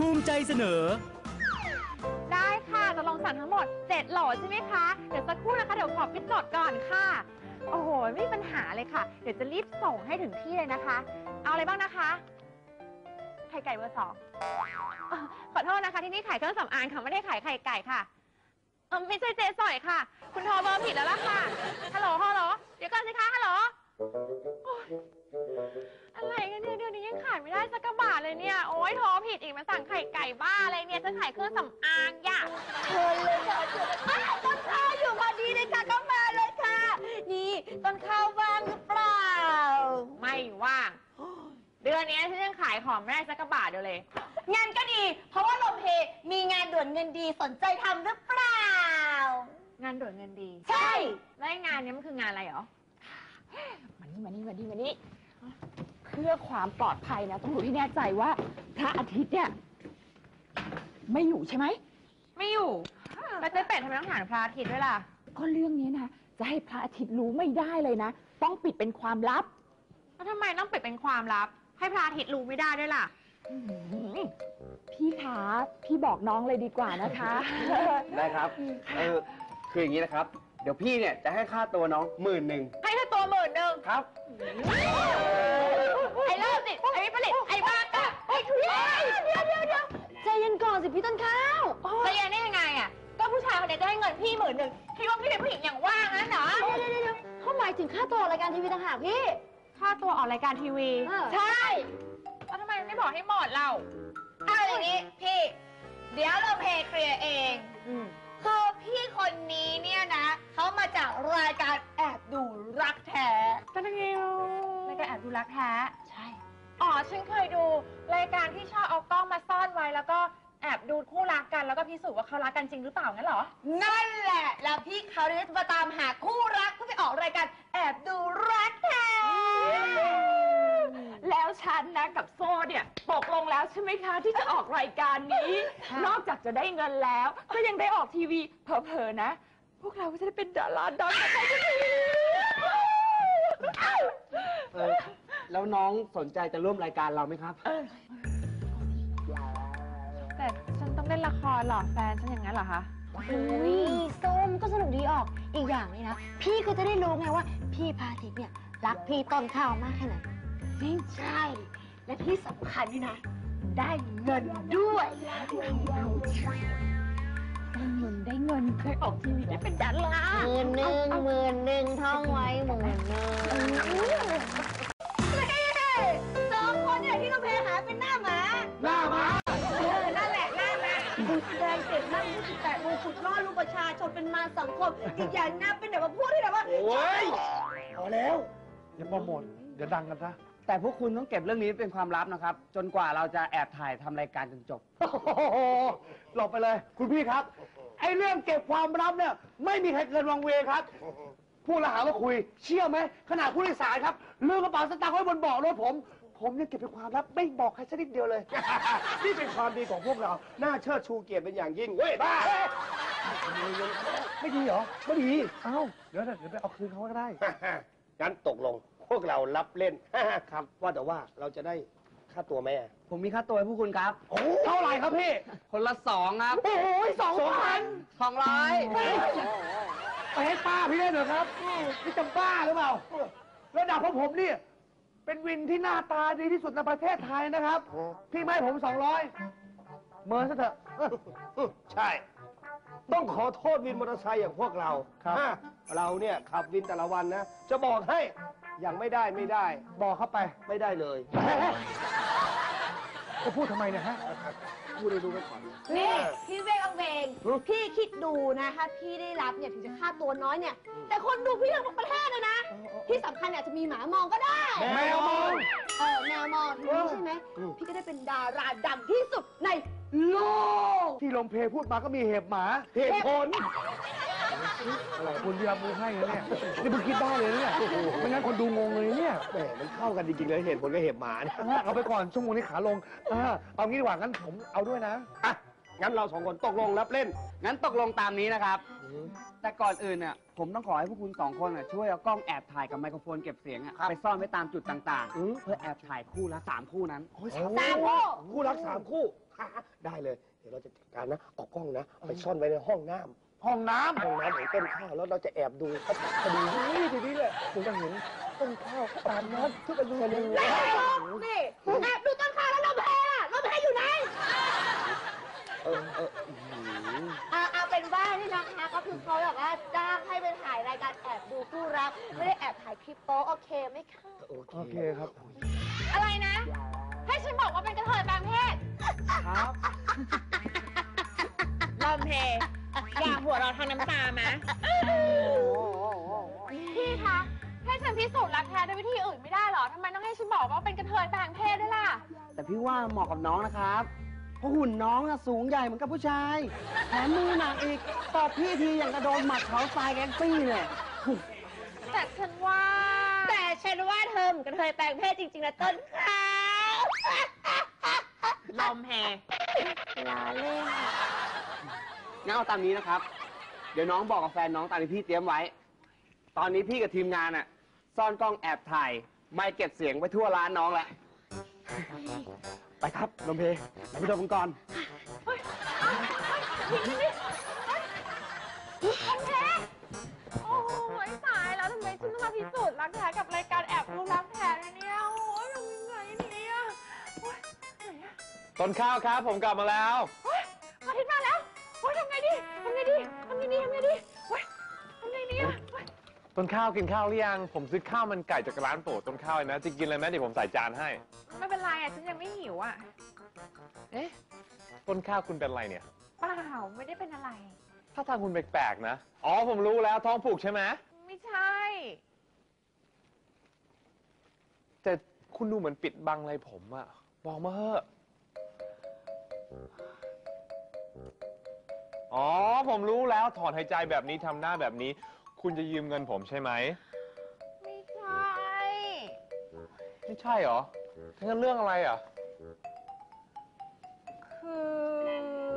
ภูมิใจเสนอได้ค่ะจะลองสั่งทั้งหมด7โหลใช่ไหมคะเดี๋ยวสักครู่นะคะเดี๋ยวขอปิดจดก่อนค่ะโอ้โหไม่มีปัญหาเลยค่ะเดี๋ยวจะรีบส่งให้ถึงที่เลยนะคะเอาอะไรบ้างนะคะไข่ไก่เบอร์ 2ขอโทษนะคะที่นี่ขายเครื่องสำอางค่ะไม่ได้ขายไข่ไก่ค่ะไม่ใช่เจ๊สอยค่ะคุณโทรเบอร์ผิดแล้วล่ะค่ะฮัลโหลเดี๋ยวก่อนสิคะฮัลโหลอะไรกันเนี่ยเดี๋ยวนี้ยังขายไม่ได้สักกระบาทเลยเนี่ยโอ๊ยโทรผิดอีกมาสั่งไข่ไก่บ้าอะไรเนี่ยจะขายเครื่องสำอางอย่าเชิญเลยค่ะเชิญเลยต้นข้าวอยู่พอดีเลยค่ะก็มาเลยค่ะนี่ต้นข้าวว่างหรือเปล่าไม่ว่างเดือนนี้ฉันยังขายของไม่ได้สักกระบาทเดียวเลยงานก็ดีเพราะว่าลมเพมีงานด่วนเงินดีสนใจทำหรือเปล่างานด่วนเงินดีใช่แล้วงานนี้มันคืองานอะไรหรอมานี่เพื่อความปลอดภัยนะต้องรู้ที่แน่ใจว่าพระอาทิตย์เนี่ยไม่อยู่ใช่ไหมไม่อยู่แล้วเจ๊เป็ดทำไมต้องถามพระอาทิตย์ด้วยล่ะก็เรื่องนี้นะจะให้พระอาทิตย์รู้ไม่ได้เลยนะต้องปิดเป็นความลับแล้วทำไมต้องปิดเป็นความลับให้พระอาทิตย์รู้ไม่ได้ด้วยล่ะพี่คะพี่บอกน้องเลยดีกว่านะคะได้ครับคืออย่างนี้นะครับเดี๋ยวพี่เนี่ยจะให้ค่าตัวน้อง10,000 ให้ค่าตัว10,000 ครับไอ้เลิศสิไอ้วิปริตไอ้บ้ากะไอ้ทุเรศเดี๋ยวใจเย็นก่อนสิพี่ต้นข้าวใจเย็นได้ยังไงอ่ะก็ผู้ชายคนนี้จะให้เงินพี่10,000พี่ว่าพี่เป็นผู้หญิงอย่างว่างนั้นเหรอเดี๋ยวเขาหมายถึงค่าตัวรายการทีวีต่างหากพี่ค่าตัวออกรายการทีวีใช่แล้วทำไมไม่บอกให้หมดเราเอาอย่างนี้พี่เดี๋ยวเราเพย์เคลียร์เองคือพี่คนนี้เนี่ยนะเขามาจากรายการแอบดูรักแท้กันยังไงรายการแอบดูรักแท้ใช่อ๋อฉันเคยดูรายการที่ชอบเอากล้องมาซ่อนไว้แล้วก็แอบดูคู่รักกันแล้วก็พิสูจน์ว่าเขารักกันจริงหรือเปล่างั้นเหรอนั่นแหละแล้วพี่เขาเนี่ยจะมาตามหาคู่รักเพื่อไปออกรายการแอบดูรักแท้แล้วฉันนะกับโซ่เนี่ยตกลงแล้วใช่ไหมคะที่จะออกรายการนี้นอกจากจะได้เงินแล้วก็ยังได้ออกทีวีเผลอๆนะพวกเราก็จะได้เป็นดาราดังกันไปทีแล้วน้องสนใจจะร่วมรายการเราไหมครับแต่ฉันต้องเล่นละครหรอแฟนฉันอย่างนั้นเหรอคะอุ้ยส้มก็สนุกดีออกอีกอย่างเลยนะพี่ก็จะได้รู้ไงว่าพี่พาทิตย์เนี่ยรักพี่ต้นข้าวมากแค่ไหนจริงใช่และที่สำคัญนี่นะได้เงินด้วยได้เงินเคยออกทีวีได้เป็นดารา 10,000ท่องไว้10,0002 คนเนี่ยที่เราเพหาเป็นหน้าหมานั่นแหละหน้าหมาคุณแสดงเสร็จนั่ง28 โมงขุดล่อลูกประชาชนเป็นมารสังคมอีกอย่างน่าเป็นแบบว่าพูดที่แบบว่าโอ้ยพอแล้วอย่าโปรโมทเดี๋ยวดังกันซะแต่พวกคุณต้องเก็บเรื่องนี้เป็นความลับนะครับจนกว่าเราจะแอบถ่ายทำรายการจนจบหลบไปเลยคุณพี่ครับไอ้เรื่องเก็บความลับเนี่ยไม่มีใครเกินวังเวครับพูดแล้วหาว่าคุยเชื่อไหมขนาดผู้โดยสารครับลืมกระเป๋าสตางค์ไว้บนเบาะรถผมเนี่ยเก็บเป็นความลับไม่บอกใครสักนิดเดียวเลยนี่เป็นความดีของพวกเราน่าเชิดชูเกียรติเป็นอย่างยิ่งเว้ยบ้าไม่ดีเหรอไม่ดีเอ้าเดี๋ยวไปเอาคืนเขาก็ได้งั้นตกลงพวกเรารับเล่นครับว่าแต่ว่าเราจะได้ค่าตัวไหมผมมีค่าตัวให้พวกคุณครับเท่าไหร่ครับพี่คนละ2ครับโอ้ย2,000 200 ไปให้ป้าพี่ได้หน่อยครับพี่จำบ้าหรือเปล่าระดับของผมนี่เป็นวินที่หน้าตาดีที่สุดในประเทศไทยนะครับพี่ไม่ให้ผม200เมินซะเถอะใช่ต้องขอโทษวินมอเตอร์ไซค์อย่างพวกเราครับเราเนี่ยขับวินแต่ละวันนะจะบอกให้อย่างไม่ได้บอกเข้าไปไม่ได้เลยจะพูดทำไมเนี่ยฮะพูดได้ดูไปก่อนนี่พี่เวงพี่คิดดูนะถ้าพี่ได้รับเนี่ยถึงจะค่าตัวน้อยเนี่ยแต่คนดูพี่ทั้งประเทศเลยนะที่สำคัญเนี่ยจะมีหมามองก็ได้แมวมองแมวมองใช่ไหมพี่ก็ได้เป็นดาราดังที่สุดในโลกที่ลมเพพูดมาก็มีเหตุหมาเหตุผลอะไรคุณที่รับมือให้เนี่ยนี่เพิ่งคิดได้เลยเนี่ยไม่งั้นคนดูงงเลยเนี่ยแหมมันเข้ากันจริงๆเลยเหตุผลกับเหตุหมาเอาไปก่อนชั่วโมงนี้ขาลงเอางี้ดีกว่างั้นผมเอาด้วยนะงั้นเราสองคนตกลงรับเล่นงั้นตกลงตามนี้นะครับ แต่ก่อนอื่นเนี่ยผมต้องขอให้พวกคุณสองคนน่ะช่วยเอากล้องแอบถ่ายกับไมโครโฟนเก็บเสียงอะครับไปซ่อนไว้ตามจุดต่างอืมๆ เพื่อแอบถ่ายคู่ละ3 คู่นั้นโอ้ย3 คู่คู่รัก3 คู่ ได้เลย เดี๋ยวเราจะจัดการนะเอากล้องนะ ไปซ่อนไว้ในห้องน้ำห้องน้ำห้องน้ำของต้นข้าวแล้วเราจะแอบดูเขาคดีนี้ทีนี้เลยคุณจะเห็นต้นข้าวอาบน้ำทุกอาทิตย์เลยนี่แอบดูต้นข้าวแล้วลมแพล่ะลมแพอยู่ไหน เอาเป็นว่านี่นะคะก็คือเขาแบบว่าจ้างให้ไปถ่ายรายการแอบดูคู่รักไม่ได้แอบถ่ายคลิปโป๊โอเคไหมคะโอเคครับอะไรนะ ให้ฉันบอกว่าเป็นกระเทยแปลงเพศครับลมเพอยากหัวเราะทางน้ำตาไหมพี่คะให้ฉันพิสูจน์รักแท้ด้วยวิธีอื่นไม่ได้เหรอทำไมต้องให้ฉันบอกว่าเป็นกระเทยแปลงเพศด้วยล่ะแต่พี่ว่าเหมาะกับน้องนะครับ เพราะหุ่นน้องอะสูงใหญ่เหมือนกับผู้ชาย แถมมือหนักอีก ตอบพี่ทีอย่างกระโดนหมัดเขาทรายแก๊งซี่เนี่ยแต่ฉันว่าแต่ฉันว่าเธอเหมือนกระเทยแปลงเพศจริงๆนะต้นข้าวลมเพลาเล่นงั้นเอาตามนี้นะครับ เดี๋ยวน้องบอกกับแฟนน้องตามที่พี่เตรียมไว้ ตอนนี้พี่กับทีมงานอะซ่อนกล้องแอบถ่าย ไม่เก็บเสียงไว้ทั่วร้านน้องแล้ว ไปครับลมเพเราไปดูกันก่อนโอ้ยตายแล้วทำไมฉันต้องมาพิสูจน์รักแท้กับรายการแอบดูรักแท้เนี่ยโอ้ยทำยังไงเนี่ยโอ้ยไหนอะต้นข้าวครับผมกลับมาแล้วโอ้ยอาทิตย์มาแล้วโอ้ยทำไงดีทำไงดีทำไงดีทำไงดีโอ้ยทำไงดีอะโอ๊ยต้นข้าวกินข้าวหรือยังผมซื้อข้าวมันไก่จากร้านโปรดต้นข้าวเลยนะจะกินอะไรไหมเดี๋ยวผมใส่จานให้ไม่เป็นไรอ่ะฉันยังไม่หิวอ่ะเอ๊ะต้นข้าวคุณเป็นอะไรเนี่ยเปล่าไม่ได้เป็นอะไรถ้าทางคุณแปลกๆนะอ๋อผมรู้แล้วท้องผูกใช่ไหมไม่ใช่แต่คุณดูเหมือนปิดบังอะไรผมอะบอกมาเถอะอ๋อผมรู้แล้วถอนหายใจแบบนี้ทำหน้าแบบนี้ คุณจะยืมเงินผมใช่ไหมไม่ใช่ไม่ใช่เหรอถ้างั้นเรื่องอะไรอ่ะคือ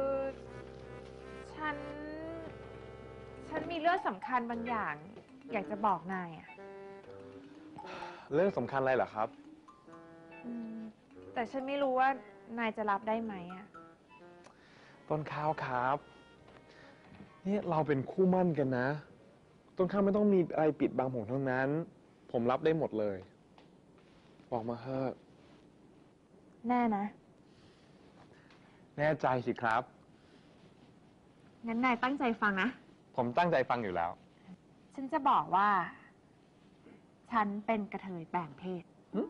ฉันมีเรื่องสำคัญบางอย่าง อยากจะบอกนายอ่ะเรื่องสำคัญอะไรเหรอครับอืมแต่ฉันไม่รู้ว่านายจะรับได้ไหมอ่ะต้นข้าวครับเนี่ยเราเป็นคู่มั่นกันนะ ต้นข้าวไม่ต้องมีอะไรปิดบังผมทั้งนั้น ผมรับได้หมดเลย บอกมาเถอะแน่นะแน่ใจสิครับงั้นนายตั้งใจฟังนะผมตั้งใจฟังอยู่แล้วฉันจะบอกว่า ฉันเป็นกระเทยแปลงเพศ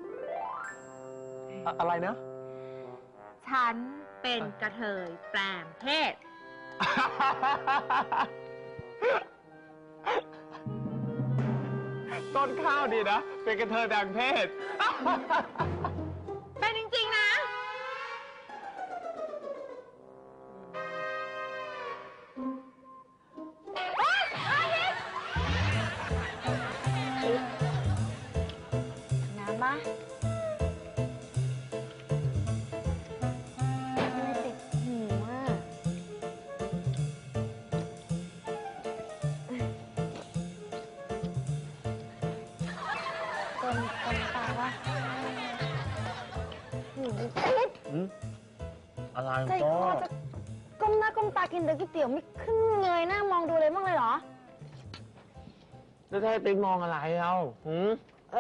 อะไรนะฉันเป็นกระเทยแปลงเพศต้นข้าวดีนะ เป็นกระเทยแบ่งเพศเป็นจริงๆนะน้ำปะไม่ติดหูอ่ะตรงตาวะหูติดอะไรใจคอจะก้มหน้าก้มตากินแต่ก๋วยเตี๋ยวไม่ขึ้นเงยหน้ามองดูเลยบ้างเลยเหรอแล้วให้ติ๊กมองอะไรเอาหืม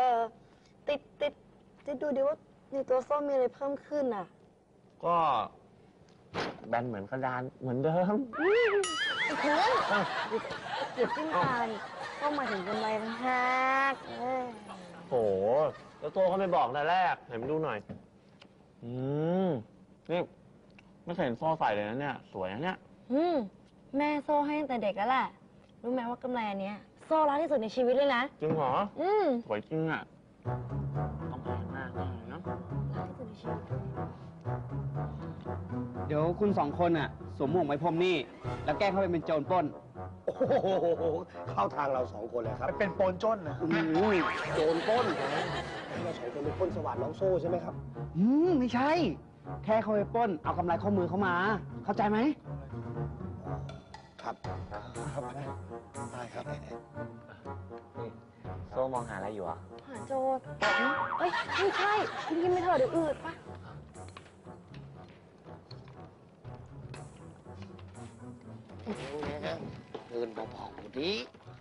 ติดดูดิว่าในตัวส้มมีอะไรเพิ่มขึ้นอ่ะก็แบนเหมือนกระดานเหมือนเดิมอีกเพื่อนเจ็บขึ้นตานี่ก็หมายถึงกำไรทั้งหักโห แล้วตัวเขาไม่บอกแต่แรกไหนมาดูหน่อย นี่ไม่เคยเห็นโซ่ใส่เลยนะเนี่ย สวยนะเนี่ยแม่โซ่ให้ตั้งแต่เด็กแล้วแหละ รู้ไหมว่ากำไรอันเนี้ยโซ่รักที่สุดในชีวิตเลยนะจริงเหรออืมสวยจริงอ่ะ ต้องแพงมากเลยนะรักที่สุดในชีวิตเดี๋ยวคุณสองคนอะสวมหมวกไม้พรมนี่ แล้วแกล้งเข้าไปเป็นโจรปล้นโอ้โห เข้าทางเราสองคนเลยครับเป็นโปนจ้นนะโจรปล้นเราสองคนเป็นปล้นสวัสดิ์น้องโซ่ใช่ไหมครับไม่ใช่แค่เขาไปปล้น เอากำไรข้อมือเขามา เข้าใจไหมครับ ครับ ได้ครับโซ่มองหาอะไรอยู่อ่ะหาโจทย์เอ้ย ไม่ใช่กินไปเถอะเดี๋ยวอืดปะเดินเบาๆดิ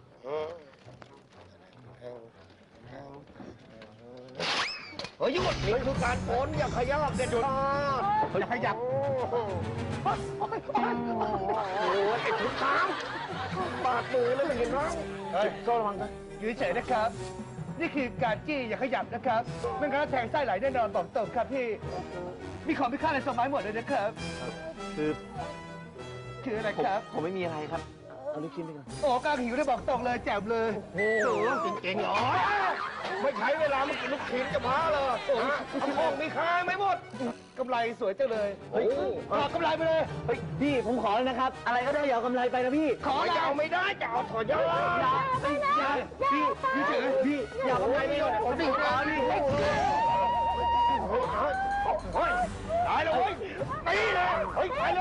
เฮ้ยหยุดนี่คือการโอนอย่าขยับเด็ดขาดอย่าขยับโอ้ยไอ้ถุงเท้าบาดมือเลยไม่เห็นร้องเฮ้ยโซ่ระวังนะอยู่เฉยๆนะครับ นี่คือการจี้อย่าขยับนะครับไม่งั้นแทงไส้ไหลแน่นอนบอกตรงครับพี่ มีของมีค่าในสมัยหมดเลยนะครับ คืออะไรครับผมไม่มีอะไรครับ เอาลูกชิ้นไปก่อนโอ้กลางหิวได้บอกตรงเลยแจ่มเลยโอ้โหเก่งๆเหรอไม่ใช้เวลามากินลูกชิ้นจะพาเลยเอาของมีค่าไม่หมดกำไรสวยจังเลยเฮ้ยขอกำไรไปเลยเฮ้ย พี่ผมขอเลยนะครับ อะไรก็ได้อย่าเอากำไรไปนะพี่ขอจะเอาไม่ได้จะเอาถอดยาพี่เฉยๆพี่อย่าเอากำไรไปเลยผมไม่ขอนี่เฮ้ยตายแล้วเว้ยตีเลยเฮ้ยไปเลย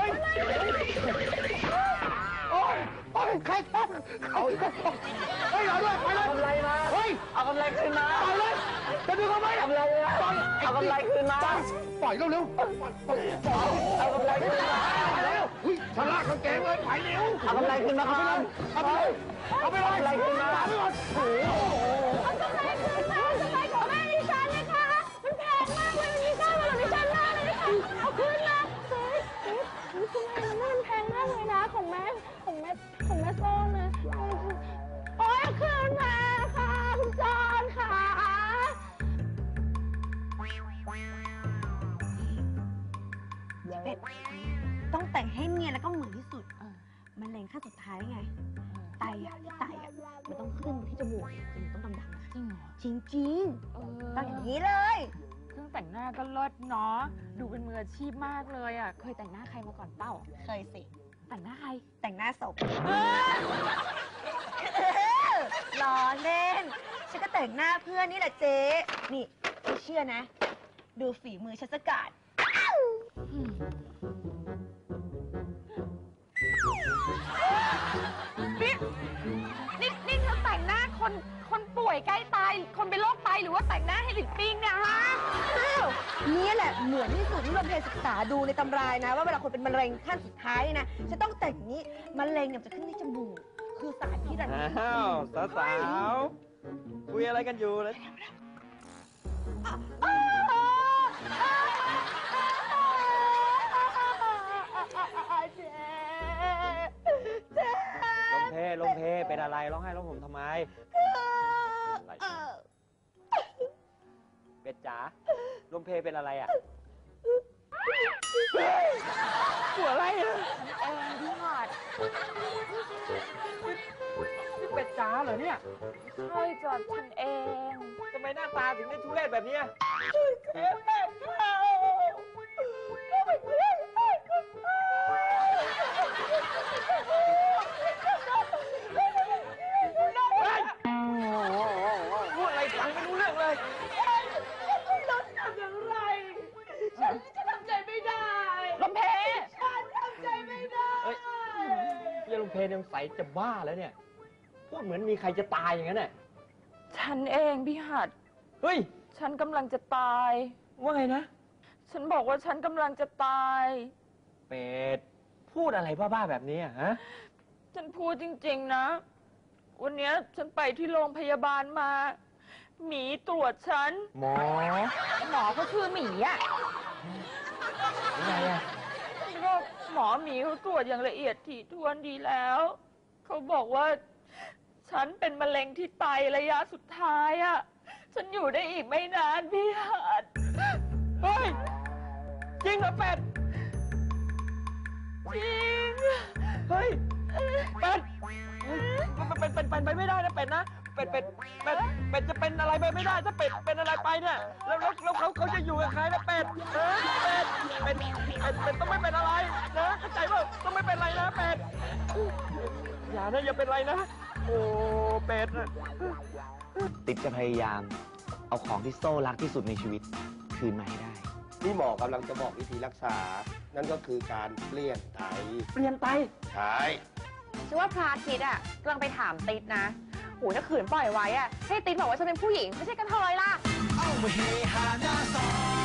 โอ้ยโอ้ยใครทำเขาเฮ้ยเอาด้วยไปเลยเอากำไรมาเฮ้ยเอากำไรคืนมาไปเลยจะดึงเขาไหมเอากำไรมาเอากำไรคืนมาปล่อยเร็วๆเอากำไรคืนมาเร็วอุ้ยทะลักกางเกงเลยไปเร็วเอากำไรคืนมาครับเอาไปเลยเอาไปเลยเอากำไรคืนมาเอาไปก่อนโอ้โหเอากำไรคืนมาเอากำไรของแม่ดิฉันเลยค่ะ มันแพงมากเลยมันมีค่าสำหรับดิฉันมากเลยค่ะ เอาคืนมาเฮ้ยคุณแม่มันแพงมากเลยนะของแม่โซ่นะโอ้ยเอาคืนมาค่ะคุณจอนค่ะเป็ดต้องแต่งให้เนียนแล้วก็เหมือนที่สุด มันแรงขั้นสุดท้ายไง ไตมันต้องขึ้นที่จมูกคือมันต้องดำๆนะจริงเหรอจริงเอๆต้องอย่างนี้เลยเครื่องแต่งหน้าก็เลิศเนาะ ดูเป็นมืออาชีพมากเลยอ่ะ เคยแต่งหน้าใครมาก่อนเปล่าเคยสิแต่งหน้าใครแต่งหน้าศพล้อเล่น ฉันก็แต่งหน้าเพื่อนนี่แหละเจ๊ นี่ไม่เชื่อนะ ดูฝีมือฉันสกัดนี่เธอแต่งหน้าคนป่วยใกล้ตาย คนเป็นโรคไตหรือว่าแต่งหน้าให้หลินปิงเนี่ยฮะอ้าวนี่แหละเหมือนที่สุดที่โรงเรียนศึกษาดูในตำรายนะ ว่าเวลาคนเป็นมะเร็งขั้นสุดท้ายเนี่ยนะจะต้องแต่งอย่างนี้มะเร็งเนี่ยมันจะขึ้นที่จมูก คือสารพิษอะอ้าวสาวๆคุยอะไรกันอยู่เลย ลมเพเป็นอะไรร้องไห้ร้องห่มทำไม เป็ดจ๋าลมเพเป็นอะไรอ่ะหัวอะไรอ่ะเออพี่หอดนี่เป็ดจ๋าเหรอเนี่ยใช่จอดฉันเองทำไมหน้าตาถึงได้ทุเรศแบบเนี้ย พูดอะไรฟังไม่รู้เรื่องเลยลมเพเอ้ยเฮียลุงเพนยังใสจะบ้าแล้วเนี่ย พูดเหมือนมีใครจะตายอย่างนั้นน่ะฉันเองพี่หัดเฮ้ยฉันกำลังจะตายว่าไงนะฉันบอกว่าฉันกำลังจะตายเป็ด พูดอะไรบ้าๆแบบนี้อะฮะฉันพูดจริงๆนะ วันเนี้ยฉันไปที่โรงพยาบาลมา หมีตรวจฉันหมอหมอเขาชื่อหมีอ่ะยังไงอะก็หมอหมีเขาตรวจอย่างละเอียดถี่ถ้วนดีแล้ว เขาบอกว่า ฉันเป็นมะเร็งที่ไตระยะสุดท้ายอ่ะ ฉันอยู่ได้อีกไม่นานพี่หัดเฮ้ย จริงเหรอเป็ดจริงเฮ้ย เป็ดเป็นไปไม่ได้นะเป็ดนะ เป็ดจะเป็นอะไรไปไม่ได้ถ้าเป็ดเป็นอะไรไปเนี่ย แล้วเขาจะอยู่กับใครนะเป็ดเป็ดต้องไม่เป็นอะไรนะเข้าใจป่ะต้องไม่เป็นอะไรนะเป็ด อย่านะอย่าเป็นไรนะ โอ้เป็ดอะติ๊บจะพยายามเอาของที่โซ่รักที่สุดในชีวิตคืนมาให้ได้นี่หมอกำลังจะบอกวิธีรักษา นั่นก็คือการเปลี่ยนไตเปลี่ยนไตใช่ฉันว่าพระอาทิตย์อะกำลังไปถามติ๊ดนะโหถ้าขืนปล่อยไว้อะให้ติ๊ดบอกว่าฉันเป็นผู้หญิงไม่ใช่กระเทยล่ะเอามาเฮฮาหน้าซอย